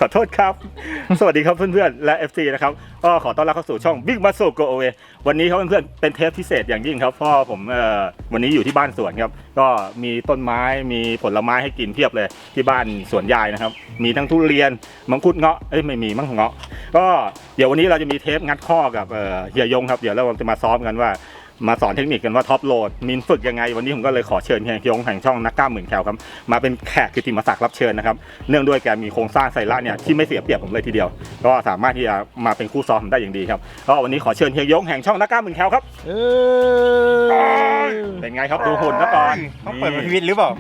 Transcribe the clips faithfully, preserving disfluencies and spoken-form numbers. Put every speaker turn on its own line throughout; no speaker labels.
ขอโทษครับสวัสดีครับเพื่อนๆและ เอฟ ซี นะครับก็ขอต้อนรับเข้าสู่ช่อง Big Muscle Go Away วันนี้ครับเพื่อนๆเป็นเทปพิเศษอย่างยิ่งครับเพราะผมเอ่อวันนี้อยู่ที่บ้านสวนครับก็มีต้นไม้มีผลไม้ให้กินเพียบเลยที่บ้านสวนยายนะครับมีทั้งทุเรียนมังคุดเงาะเอ้ยไม่มีมังเงาะก็เดี๋ยววันนี้เราจะมีเทปงัดข้อกับเอ่อเฮียยงครับเดี๋ยวเราจะมาซ้อมกันว่ามาสอนเทคนิคกันว่าท็อปโหลดมินฝึกยังไงวันนี้ผมก็เลยขอเชิญเฮียยงแห่งช่องนักกล้ามหมื่นแคลครับมาเป็นแขกกิตติมศักดิ์รับเชิญนะครับเนื่องด้วยแกมีโครงสร้างไซร่าเนี่ยที่ไม่เสียเปรียบผมเลยทีเดียวก็สามารถที่จะมาเป็นคู่ซ้อมได้อย่างดีครับก็วันนี้ขอเชิญเฮียยงแห่งช่องนักกล้ามหมื่นแคลครับเป็นไงครับดูหุ่นซะก่อน
ต้องเปิดเป็นพิวิตหรือเปล่า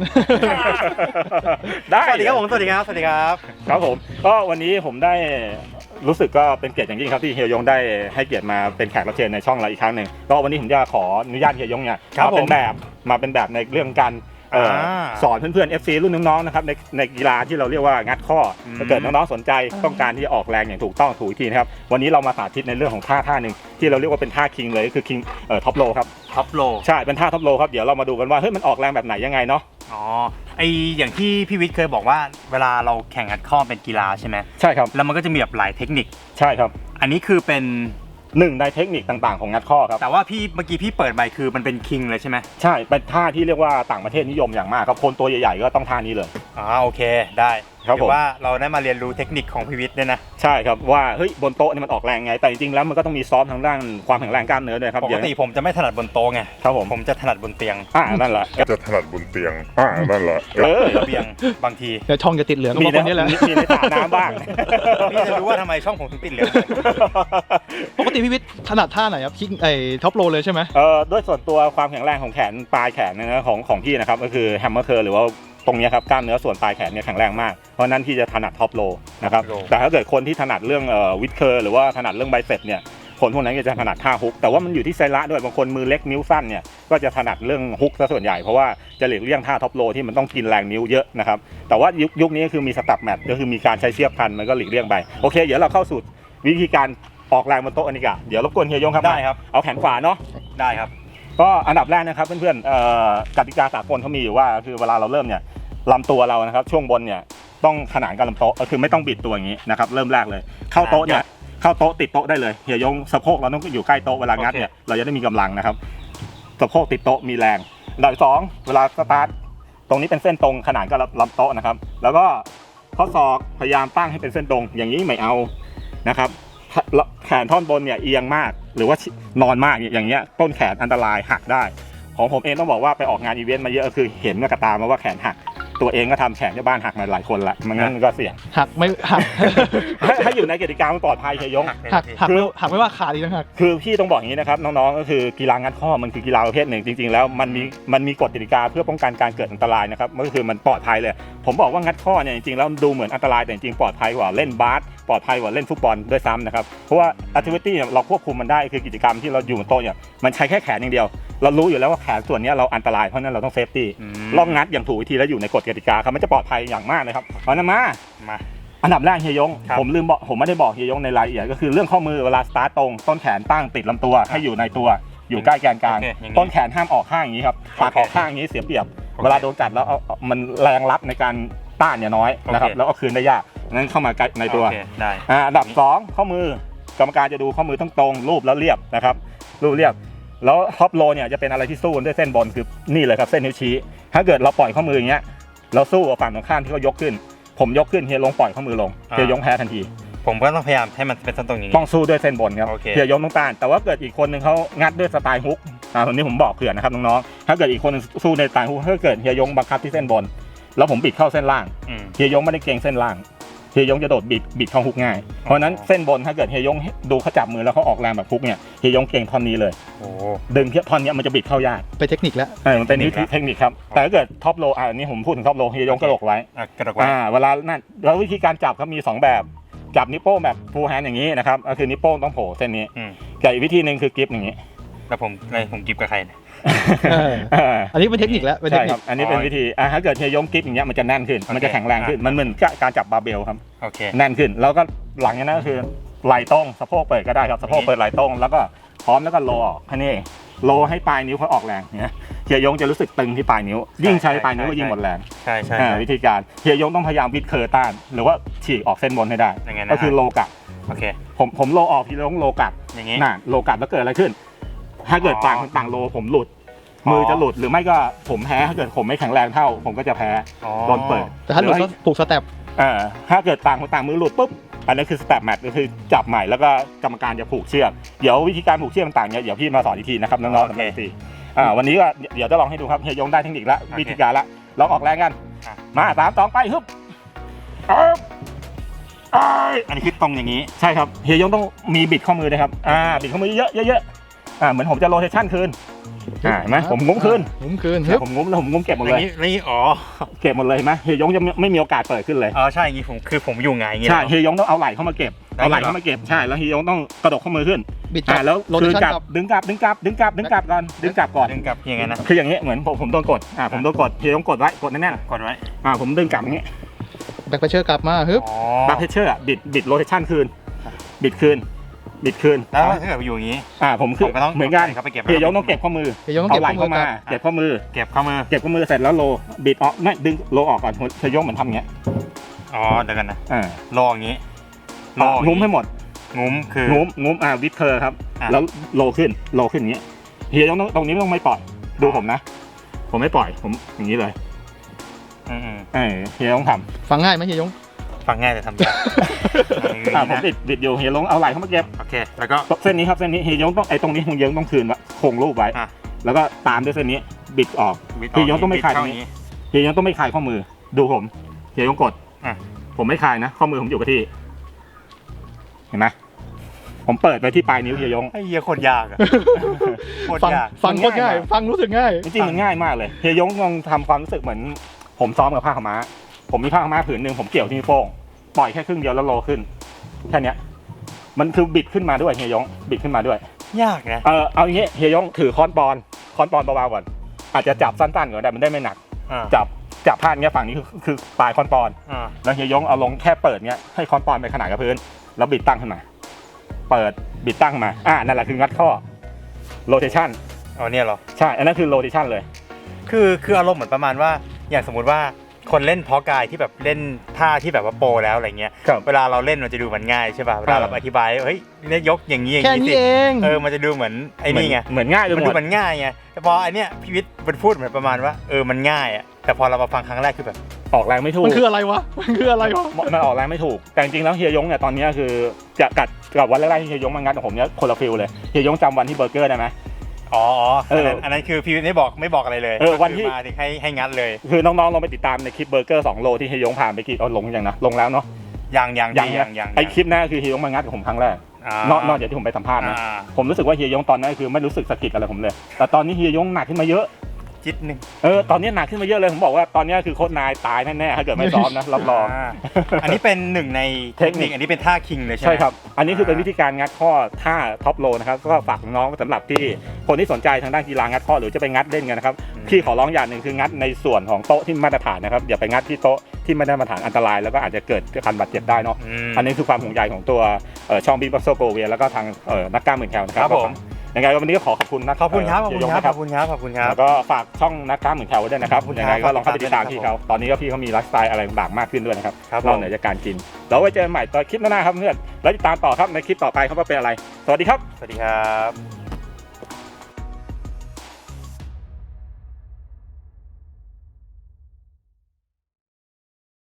ได้
สวัสดีครับผมสวัสดีครับสวัสดีครับ
ครับผมก็วันนี้ผมได้รู้สึกก็เป็นเกียรติอย่างยิ่งครับที่เฮียยงได้ให้เกียรติมาเป็นแขกรับเชิญในช่องเราอีกครั้งหนึ่งก็วันนี้ผมจะขออนุญาตเฮียยงเนี่ยมาเป็นแบบมาเป็นแบบในเรื่องการสอนเพื่อนๆ เอฟ ซี รุ่นน้องๆนะครับในในกีฬาที่เราเรียกว่างัดข้อถ้าเกิดน้องๆสนใจต้องการที่จะออกแรงอย่างถูกต้องถูกวิธีนะครับวันนี้เรามาสาธิตในเรื่องของท่าท่าหนึ่งที่เราเรียกว่าเป็นท่าคิงเลยก็คือคิงเอ่อท็อปโลครับ
ท็อปโล
ใช่เป็นท่าท็อปโลครับเดี๋ยวเรามาดูกันว่าเฮ้ยมันออกแรงแบบไหนยังไงเนาะ
อ๋อไออย่างที่พี่วิทย์เคยบอกว่าเวลาเราแข่งงัดข้อเป็นกีฬาใช่ไหม
ใช่ครับ
แล้วมันก็จะมีแบบหลายเทคนิค
ใช่ครับ
อันนี้คือเป็น
หนึ่งในเทคนิคต่างๆของงัดข้อครับ
แต่ว่าพี่เมื่อกี้พี่เปิดใบคือมันเป็นคิงเลยใช่ไหม
ใช่เป็นท่าที่เรียกว่าต่างประเทศนิยมอย่างมากครับคนตัวใหญ่ๆก็ต้องท่านี้เลย
อ๋อโอเคได้
ครับผม
ว่าเราได้มาเรียนรู้เทคนิคของพี่วิทย์เนี่ยนะ
ใช่ครับว่าเฮ้ยบนโต๊ะนี่มันออกแรงไงแต่จริงๆแล้วมันก็ต้องมีซ้อมทางด้านความแข็งแรงกล้ามเนื้อด้วยครับ
ปกติผมจะไม่ถนัดบนโต๊ะไง
ครับผม
ผมจะถนัดบนเตียง
อ่านั่นแหละ
จะถนัดบนเตียงอ่านั่นแหละ
เออ
เตียงบางที
เดี๋ยวช่องจะติดเหลือง
มีนี่แหละมีในสระน้ำบ้าง
พี่จะรู้ว่าทำไมช่องผมถึงติดเหลือง
ปกติพี่วิทย์ถนัดท่าไหนครับคิกไอ้ท็อปโรเลยใช่ไหม
เออด้วยส่วนตัวความแข็งแรงของแขนปลายแขนนะของของพี่นะครับก็คือแฮมเมอร์เคอร์หรือว่าตรงนี้ครับกล้ามเนื้อส่วนปลายแขนเนี่ยแข็งแรงมากเพราะนั้นที่จะถนัดท็อปโลนะครับแต่ถ้าเกิดคนที่ถนัดเรื่องเอ่อวิดเคอร์หรือว่าถนัดเรื่องไบเซ็ปเนี่ยคนพวกนั้นจะถนัดท่าฮุกแต่ว่ามันอยู่ที่ไซระด้วยบางคนมือเล็กนิ้วสั้นเนี่ยก็จะถนัดเรื่องฮุกซะส่วนใหญ่เพราะว่าจะหลีกเลี่ยงท่าท็อปโลที่มันต้องกินแรงนิ้วเยอะนะครับแต่ว่ายุคยุคนี้คือมีสตับแมทก็คือมีการใช้เสียบพันมันก็หลีกเลี่ยงไปโอเคเดี๋ยวเราเข้าสู่วิธีการออกแรงบนโต๊ะอันนี้กันเดี๋ยวรบกวนเฮียยงครับ
ได้ครับ
เอาแขนขวาเนาะ
ได้ครับ
ก็อันดับแรกนะครับเพื่อนๆกติกาสากลเขามีอยู่ว่าคือเวลาเราเริ่มเนี่ยลำตัวเรานะครับช่วงบนเนี่ยต้องขนานกับลำโต๊ะก็คือไม่ต้องบิดตัวอย่างนี้นะครับเริ่มแรกเลยเข้าโต๊ะเนี่ยเข้าโต๊ะติดโต๊ะได้เลยเฮียยงสะโพกเราต้องอยู่ใกล้โต๊ะเวลางัดเนี่ยเราจะได้มีกำลังนะครับสะโพกติดโต๊ะมีแรงอันดับสองเวลาสตาร์ทตรงนี้เป็นเส้นตรงขนานกับลำโต๊ะนะครับแล้วก็ข้อศอกพยายามตั้งให้เป็นเส้นตรงอย่างนี้ไม่เอานะครับแขนท่อนบนเนี่ยเอียงมากหรือว่านอนมากอย่างเงี้ยต้นแขนอันตรายหักได้ของผมเองต้องบอกว่าไปออกงานอีเวนต์มาเยอะคือเห็นกับตามาว่าแขนหักตัวเองก็ทำแขนที่บ้านหักมาหลายคนละมันงั้นก็เสี่ยง
หักไม่หัก
ให้อยู่ในกติกามันปลอดภัยเฮียยง
หักหักไม่หักไม่ว่าขาดอีกนะหัก
คือพี่ต้องบอกอย่างนี้นะครับน้องๆก็คือกีฬางัดข้อมันคือกีฬาประเภทหนึ่งจริงๆแล้วมันมีมันมีกฎกติกาเพื่อป้องกันการเกิดอันตรายนะครับก็คือมันปลอดภัยเลยผมบอกว่างัดข้อเนี่ยจริงๆแล้วดูเหมือนอันตรายแต่จริงๆปลอดภัยกว่าเล่นบาสปลอดภัยกว่าเล่นฟุตบอลด้วยซ้ำนะครับเพราะว่าแอคทิวิตี้เราควบคุมมันได้คือกิจกรรมที่เราอยู่บนโต๊ะเนี่ยมันใช้แค่แขนอย่างเดียวเรารู้อยู่แล้วว่าแขนส่วนนี้เราอันตรายเพราะนั้นเราต้องเซฟตี้ลองงัดอย่างถูกวิธีและอยู่ในกฎกติกาครับมันจะปลอดภัยอย่างมากเลยครับเอานะมามาอันดับแรกเฮียยงผมลืมบอกผมไม่ได้บอกเฮียยงในรายละเอียดก็คือเรื่องข้อมือเวลาสตาร์ตตรงต้นแขนตั้งติดลำตัวให้อยู่ในตัวอยู่ใกล้แกนกลางต้นแขนห้ามออกข้างอย่างนี้ครับปากออกข้างอย่างนี้เสียเปรียบเวลาโดนกัดแล้วมันแรงรับในการต้านเนี่ยน้อยนะครับแล้วเอาคืนได้ยากงั้นเข้ามาในตัวอันดับสองข้อมือกรรมการจะดูข้อมือต้องตรงรูปแล้วเรียบนะครับรูปเรียบแล้วท็อปโลเนี่ยจะเป็นอะไรที่สู้ด้วยเส้นบนคือนี่เลยครับเส้นนิ้วชี้ถ้าเกิดเราปล่อยข้อมืออย่างเงี้ยเราสู้กับฝั่งตรงข้ามที่เขายกขึ้นผมยกขึ้นเฮียลงปล่อยข้อมือลงเฮียยงแพ้ทันที
ผมก็ต้องพยายามให้มันเป็นเส้นตรงอย่างนี้
ต้องสู้ด้วยเส้นบนครับเฮียยงต้องต้านแต่ว่าเกิดอีกคนนึงเขางัดด้วยสไตล์ฮุกอ่าตรงนี้ผมบอกเผื่อนะครับน้องๆถ้าเกิดอีกคนนึงสู้ในสไตล์ฮุกถ้าเกิดเฮียยงบังคับที่เส้นบนแล้วผมบิดเข้าเส้นล่างเฮียยงไม่ได้เกรงเส้นล่างเฮียยงจะโดดบิดบิดเข้าฮุกง่ายเพราะนั้นเส้นบนถ้าเกิดเฮียยงดูเขาจับมือแล้วเขาออกแรงแบบฮุกเนี่ยเฮียยงเก่งท่อนนี้เลยดึงเพี้ยท่อนนี้มันจะบิดเข้ายาก
เป็นเทคนิคแล้ว
เออมันเป็นเทคนิคครับแต่ถ้าเกิดท็อปโลอ่านี้ผมพูดถึงท็อปโลเฮียยงกระดกไว้
กระดกไว้
อ่าเวลานั่นแล้ววิธีการจับเขามีสองแบบจับนิ้วโป้งแบบฟูลแฮนด์อย่างนี้นะครับก็คือนิ้วโป้งต้องโผล่เส้นนี้กับอีกวิธีหนึ่งคือกริปอย่างนี้
แล้วผมไงผมกริปกับใคร
อันนี้เป็นเทคนิคแล้ว
ใช่ครับอันนี้เป็นวิธีอ่าถ้าเกิดเฮียยงกริปอย่างเงี้ยมันจะแน่นขึ้นมันจะแข็งแรงขึ้นมันเหมือนการจับบาร์เบลครับแน่นขึ้นแล้วก็หลังจากนั้นก็คือไหล่ตรงสะโพกเปิดก็ได้ครับสะโพกเปิดไหล่ตรงแล้วก็พร้อมแล้วก็โลออกแค่นี้โลให้ปลายนิ้วเขาออกแรงเนี่ยเฮียยงจะรู้สึกตึงที่ปลายนิ้วยิ่งใช้ปลายนิ้วก็ยิ่งหมดแรง
ใช่ใช่
อ่าวิธีการเฮียยงต้องพยายามบิดเคอร์ต้านหรือว่าฉีกออกเส้นบนให้ได้
ยังไงนะ
ก็คือโลกัด
โอเค
ผมผมโลออกพี่ยงโลกัด
อย่างงี้
น่ะโลกัดแล้วเกิดอะไรขึ้น ถ้าเกิด
อ๋อ
ต่างคนต่างโลผมหลุด
อ๋อ
มือจะหลุดหรือไม่ก็ผมแพ้ถ้าเกิดผมไม่แข็งแรงเท่า ผมก็จะแพ้
อ๋อ
โดนเปิด
แต่ถ้าหลุดก็ผูกสเต็ป
เอ่าถ้าเกิดต่างคนต่างมือหลุดปุ๊บอันนั้นคือสแตปแมทก็คือจับใหม่แล้วก็กรรมการจะผูกเชือกเดี๋ยววิธีการผูกเชือกต่างๆเนี่ยเดี๋ยวพี่มาสอนอีกทีนะครับน้องๆสำหรับทีอ่าวันนี้ก็เดี๋ยวจะลองให้ดูครับเฮียยงได้เทคนิคละวิธีการละลองออกแรงกันมาสามสองไปฮึบเอ้ยเอ้ย
อันนี้คือตรงอย่างนี้
ใช่ครับเฮียยงต้องมีบิดข้อมือด้วยครับอ่าบิดข้อมือเยอะๆเยอะๆอ่าเหมือนผมจะโรเทชั่นคืนอ่าเห็นไหมผมงุ้มคืน
งุ้มคืนฮึบ
ผมงุ้มแล้วผมงุ้มเก็บหมด
อ
เล
ย่าย งนี้นี่อ๋อ
เก็บหมดเลยเห็นไหมเฮียยงจะไม่ไม่มีโอกาสเปิดขึ้นเลย
อ๋อใช่อย่างนี้ผมคือผมอยู่ไงอย่างงี้
ใช่
เหรอ
เฮียยงต้องเอาไหล่เข้ามาเก็บ
ได้
เอาไหล่
เหรอ
เข้ามาเก็บใช่แล้วเฮียยงต้องกระดกข้อมือขึ้น
บิด
อ่าแล้ว
โรเท
คืน
ชั่น
กลับ
กับ
ดึงกลับดึงกลับดึงกลับดึงกลับก่อนดึงกลับก่อน
ดึงกลับยังไงนะ
คืออย่างเงี้ยเหมือนผมผมโดนกดอ่าผมโดนกดเฮียยงกดไว้กดแน่น
กดไว้
ๆอ่าผมดึงกลับอย่างเงี้ย
แบ็คเพชเชอร์กลับมาฮึบ
อ๋อ
บัคเพชเชอร์บิดบิดโรเทชั่นคืนบิดคืนบิดคืน
แล้วถ้าเกิดอยู่อย่างนี้
อ่าผมคือ
ผมก็ต้อง
เหมือนกัน
เขาไปเก็บ
เฮียยงต้องเก็บข้อมือ
เฮียยงต้อง
เอา
เก็บ
ไหล่
ข้อมื
เข้า
อ
มา
กับ
เก็บข้อมือ
เก็บข้อมือ
เก็บข้อมือเสร็จแล้วโลบิดออกไม่ดึงโลออกก่อนเฮียยงเหมือนทำอย่างเงี้ย
อ๋อเดี๋ยวกันนะ
อ่า
โลอย่างนี้โลอย่าง
งุ้มให้หมด
งุ้มคือง
ุ้มงุ้มอ่าวิดเคอร์ครับ
อ่ะ
แล้วโลขึ้นโลขึ้นอย่างเงี้ยเฮียยงต้องตรงนี้ไม่ต้องไม่ปล่อยดูผมนะ ผมไม่ปล่อยผมอย่างนี้เลย
อืม
เออเฮียยงท
ฟังง่ายไหมเฮียยง
ๆฟังง่ายแต่ทำยาก
ำอ่าผมบิดบิดอยู่เฮียยงเอาไหล่เข้ามาเก็บ
โอเคแล้วก็
เส้นนี้ครับเส้นนี้เฮียยงต้องไอ้ตรงนี้เฮียยงต้องคืนไว้คงรูปไว้
อ่ะ
แล้วก็ตามด้วยเส้นนี้บิดออก
บิดอ
เฮียยงต้องไม่คลายต
บิด
รง
เข้
นี้เฮียยงต้องไม่คลายข้อมือดูผมเฮียยงกด
อ่ะ
ผมไม่คลายนะข้อมือผมอยู่กับที่ เห็นไหมผมเปิดไปที่ปลายนิ้วเฮียยง
ไอ้เหี้ยโคตรยากอะโคตร
ฟัง
ยาก
ฟังโคตรง่าย ฟังรู้สึกง่าย
จริงๆมันง่ายมากเลยเฮียยงลองทำความรู้สึกเหมือน ผมซ้อมกับผ้าขาวม้า ผมมีผ้าขาวม้าผืนหนึ่งผมเกี่ยวที่นิ้วโป้งปล่อยแค่ครึ่งเดียวแล้วโลขึ้นแค่เนี้ยมันคือบิดขึ้นมาด้วยเฮียยงบิดขึ้นมาด้วย
ยากนะ
เออเอาอย่างงี้เฮียยงถือค้อนปอนค้อนปอนเบาๆก่อนอาจจะจับสั้นๆก่อนได้มันได้ไม่หนัก
อ่า
จับจับผ้าเนี้ยฝั่งนี้คือคือปลายค้อนปอน
อ่า
แล้วเฮียยงเอาลงแค่เปิดเนี้ยให้ค้อนปอนไปขนาดกับพื้นแล้วบิดตั้งขึ้นมา เปิดบิดตั้งมาอ่านั่นแหละคืองัดข้อโรเทชัน
เอาเนี่ยเหรอ
ใช่อันนั้นคือโรเทชันเลย
คือคืออารมณ์เหมือนประมาณว่าอย่างสมมุติว่าคนเล่นเพาะกายที่แบบเล่นท่าที่แบบว่าโปรแล้วอะไรเงี้ย
ครับ
เวลาเราเล่นมันจะดูมันง่ายใช่ป่ะเวลาเราอธิบายเฮ้ยเนี่ยยกอย่างนี้อย่าง
แค่
นี้
นี้
สิ
เอง
เออมันจะดูเหมือนไอ้นี่ไง
เหมือนง่ายไปห
มัน
ม
ดู
ด
มันง่ายไงแต่พอไอเนี้ยพี่วิทย์มันพูดเหมือนประมาณว่าเออมันง่ายอ่ะแต่พอเรามาฟังครั้งแรกคือแบบ
ออกแรงไม่ถูก
มันคืออะไรวะ มันคืออะไรวะ
มันออกแรงไม่ถูกแต่จริงๆแล้วเฮียยงเนี่ยตอนนี้คือจะกัดกับวันแรกๆที่เฮียยงมางัดกับผมเนี่ยคนละฟิลเลยเฮียยงจำวันที่เบอร์เกอร์ได้ไหม
อ๋ออ๋อ
เอ
อัน
อ
นั้นอันนั้นคือพี่วิทย์ไม่บอกไม่บอกอะไรเลย
เออวันที่
ก็คือมาถึงให้ให้งัดเลย
คือน้องๆลองไปติดตามในคลิปเบอร์เกอร์สองโลที่เฮียยงผ่านไปกี่เอาลงยังนะลงแล้วเนาะ
ยังยัง
ยัง
ยังยัง
ไอคลิปนั้นคือเฮียยงมางัดกับผมครั้งแรก นอกนอกจากที่ผมไปสัมภาษณ์นะ
อ่า
ผมรู้สึกว่าเฮียยงตอนนั้นคือไม่รู้สึกสะกิดอะไรผมเลย แต่ตอนนี้เฮียยงหนักขึ้นมาเยอะ
จิตหนึ่ง
เออตอนนี้หนักขึ้นมาเยอะเลยผมบอกว่าตอนนี้คือโค้ชนายตายแน่ๆถ้าเกิดไม่ซ้อมนะรับรอง
าอันนี้เป็นหนึ่งในเทคนิคอันนี้เป็นท่าคิงเลยใช่ไหม
ใช่ครับ อันนี้คือเป็นวิธีการงัดข้อท่าท็อปโลนะครับก็ฝากน้องสำหรับที่คนที่สนใจทางด้านกีฬางัดข้อหรือจะไปงัดเล่นกันนะครับพี่ขอร้องอย่างหนึ่งคืองัดในส่วนของโต๊ะที่มาตรฐานนะครับอย่าไปงัดที่โต๊ะที่ไม่ได้มาตรฐานอันตรายแล้วก็อาจจะเกิดการบาดเจ็บได้เนาะ
ม
อันนี้คือความห่วงใยของตัวเอ่อช่องบิ๊กบัสโซโกเวียแล้วก็ทางเอ่อนักกล้ามหมื่นแคลนะครั
ครับ บผม
ยังไงวันนี้ก็ขอขอบคุณนะ
ขอบคุณครับขอบ
เฮี
คุ
ย
ณ
ยง
ครับ
นะ
ขอบคุณครับขอบคุณครับ
แล้วก็ฝากช่องนักกล้ามหมื่นแคลไว้ด้วยนะครับ
ขอบคุณ
ยัง
ครั
ไง
บ
ก็ลองเข้าไปติดตาม
ครับ
พี่เขาตอนนี้ก็พี่เขามีไลฟ์สไตล์อะไรต่างๆมากขึ้นด้วยนะครับ
ครับผม
นอกเหนือจากการกินแล้วไว้เจอกันใหม่ตอนคลิปหน้าครับเพื่อนแล้วติดตามต่อครับในคลิปต่อไปเขาว่าเป็นอะไรสวัสดีครับ
สวัสดีครับ